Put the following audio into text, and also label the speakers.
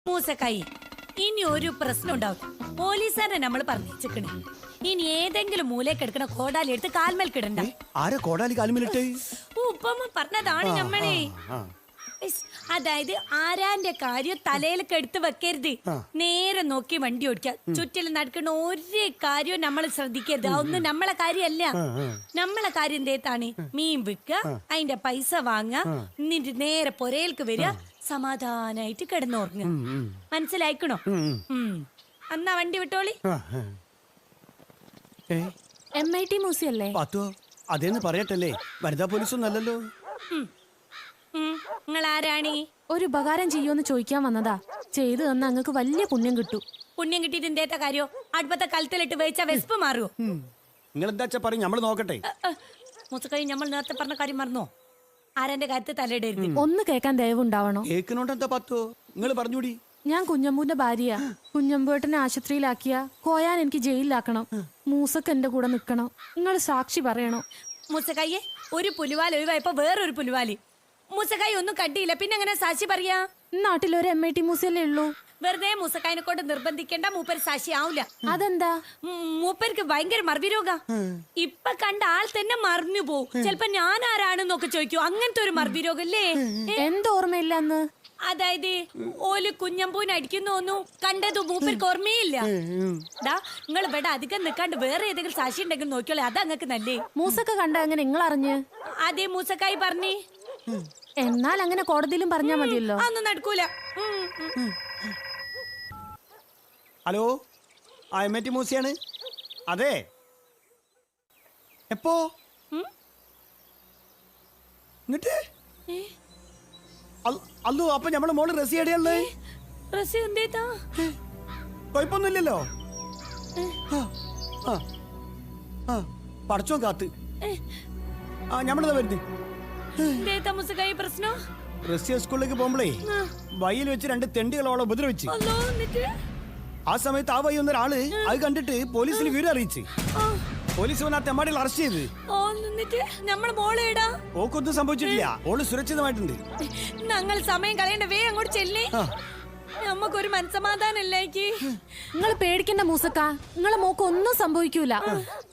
Speaker 1: മൂസക്കായി ഇനി ഒരു പ്രശ്നം ഉണ്ടാവും. പോലീസുകാരെ നമ്മൾ പറഞ്ഞേക്കണേ. ഇനി ഏതെങ്കിലും മൂലയ്ക്ക് എടുക്കണ കോടാലി എടുത്ത് കാൽമേൽ കിടണ്ട.
Speaker 2: ആരെ കോടാലി കാൽമേലിട്ട്?
Speaker 1: ഉപ്പമ്മ പറഞ്ഞതാണ് നമ്മളെ. അതായത് ആരാന്റെ കാര്യം തലയിലൊക്കെ എടുത്ത് വെക്കരുത്. നേരെ നോക്കി വണ്ടി ഓടിക്കുക. ചുറ്റിലും നടക്കുന്ന ഒരു കാര്യവും നമ്മൾ ശ്രദ്ധിക്കരുത്. അതൊന്നും നമ്മളെ കാര്യമല്ല. നമ്മളെ കാര്യം എന്തേത്താണ്? മീൻ വിൽക്കുക, അതിന്റെ പൈസ വാങ്ങുക, എന്നിട്ട് നേരെ പൊരയിലേക്ക് വരിക, സമാധാനായിട്ട് കിടന്നുറങ്ങുക. മനസ്സിലായിക്കണോ? എന്നാ വണ്ടി വിട്ടോളി.
Speaker 3: MIT മ്യൂസിയം അല്ലേ?
Speaker 2: അതേന്ന് പറയട്ടല്ലേ, വനിതാ പോലീസൊന്നും അല്ലല്ലോ.
Speaker 1: നിങ്ങൾ ആരാണീ?
Speaker 3: ഒരു ഉപകാരം ചെയ്യുമെന്ന് ചോദിക്കാൻ വന്നതാ. ചെയ്തു തന്ന അങ്ങക്ക് വലിയ പുണ്യം കിട്ടും.
Speaker 1: പുണ്യം കിട്ടിയിട്ട് എന്തേത്ത കാര്യോ? അടുപ്പത്തെ കലത്തിലിട്ട് വേവിച്ച വെസ്പ് മാറുമോ?
Speaker 2: നിങ്ങൾ എന്താ പറയും, നമ്മള് നോക്കട്ടെ.
Speaker 1: മുസക്കൈ, നമ്മൾ നേരത്തെ പറഞ്ഞ കാര്യം മറന്നോ? ആരാന്റെ കാര്യത്തിൽ തലയിടരുത്.
Speaker 3: ഒന്ന് കേൾക്കാൻ ദയവുണ്ടാവണോ?
Speaker 2: കേൾക്കണോണ്ട് എന്താ പത്തോ? നിങ്ങൾ പറഞ്ഞൂടി.
Speaker 3: ഞാൻ കുഞ്ഞമ്പൂന്റെ ഭാര്യയാ. കുഞ്ഞമ്പൂട്ടനെ ആശുപത്രിയിലാക്കിയ കോയാൻ എനിക്ക് ജയിലിലാക്കണം. മൂസക്ക് എന്റെ കൂടെ നിക്കണം. നിങ്ങൾ സാക്ഷി പറയണോ?
Speaker 1: മുസക്കയ്യെ, ഒരു പുലിവാൽ ഒഴിവായപ്പോ വേറൊരു പുലിവാലി. മുസക്കായി ഒന്നും കണ്ടിയില്ല, പിന്നെ എങ്ങനെ സാക്ഷി പറയാ?
Speaker 3: നാട്ടിലൊരു MIT മ്യൂസിയല്ലേ ഉള്ളൂ.
Speaker 1: വെറുതെ മുസക്കായിനെ കൊണ്ട് നിർബന്ധിക്കേണ്ട. മൂപ്പര് സാക്ഷി ആവൂല.
Speaker 3: അതെന്താ?
Speaker 1: മൂപ്പർക്ക് ഭയങ്കര മറവിരോഗ. ഇപ്പൊ കണ്ട ആൾ തന്നെ മറിഞ്ഞു പോവും. ചിലപ്പോ ഞാൻ ആരാണെന്നൊക്കെ ചോദിക്കൂ. അങ്ങനത്തെ ഒരു മറവിരോഗല്ലേ?
Speaker 3: എന്തോർമ്മയില്ല അന്ന്?
Speaker 1: അതായത് ഓല് കുഞ്ഞമ്പൂന് അടിക്കുന്നൊന്നും കണ്ടത് മൂപ്പർക്ക് ഓർമ്മയില്ല. നിങ്ങൾ ഇവിടെ അധികം നിൽക്കാണ്ട് വേറെ ഏതെങ്കിലും സാക്ഷി ഉണ്ടെങ്കിൽ നോക്കിയോളെ, അത് അങ്ങക്ക് നല്ലേ.
Speaker 3: മൂസക്ക കണ്ട അങ്ങനെ നിങ്ങൾ അറിഞ്ഞ്?
Speaker 1: അതേ മൂസക്കായി പറഞ്ഞേ.
Speaker 3: എന്നാൽ അങ്ങനെ കോടതിയിലും പറഞ്ഞാ മതിയല്ലോ.
Speaker 1: അതൊന്നും നടക്കൂല.
Speaker 2: ഹലോ, MIT മ്യൂസിയാണ്. അതെ, എപ്പോ? എന്നിട്ട് അല്ലോ, അപ്പൊ നമ്മളെ മോള് റസിയടിയല്ലേ? കൊഴപ്പൊന്നുമില്ലല്ലോ. പടച്ചോ കാത്ത്. ഞമ്മളതാ വരുന്നത്.
Speaker 1: പ്രശ്നം
Speaker 2: റഷ്യ സ്കൂളിലേക്ക് പോകുമ്പോഴേ വയ്യിൽ വെച്ച് 2 തെണ്ടികളോളം ഉപദ്രവിച്ച്. ആ സമയത്ത് ആ വഴി ഒന്നൊരാള് അത് കണ്ടിട്ട് പോലീസിന് വിവരം അറിയിച്ച്. പോലീസ് വന്ന് ആ തെമ്മാടികൾ അറസ്റ്റ് ചെയ്ത്. ഓക്കൊന്നും സംഭവിച്ചിട്ടില്ല. ഓള് സുരക്ഷിതമായിട്ടുണ്ട്.
Speaker 1: ഞങ്ങൾ സമയം കളയേണ്ട, വേ അങ്ങോട്ട് ചെല്ലേ. നമുക്കൊരു മനസ്സമാധാനല്ലേ?
Speaker 3: നിങ്ങൾ പേടിക്കണ്ട മൂസക്ക, നിങ്ങളെ മോക്ക് ഒന്നും സംഭവിക്കൂല.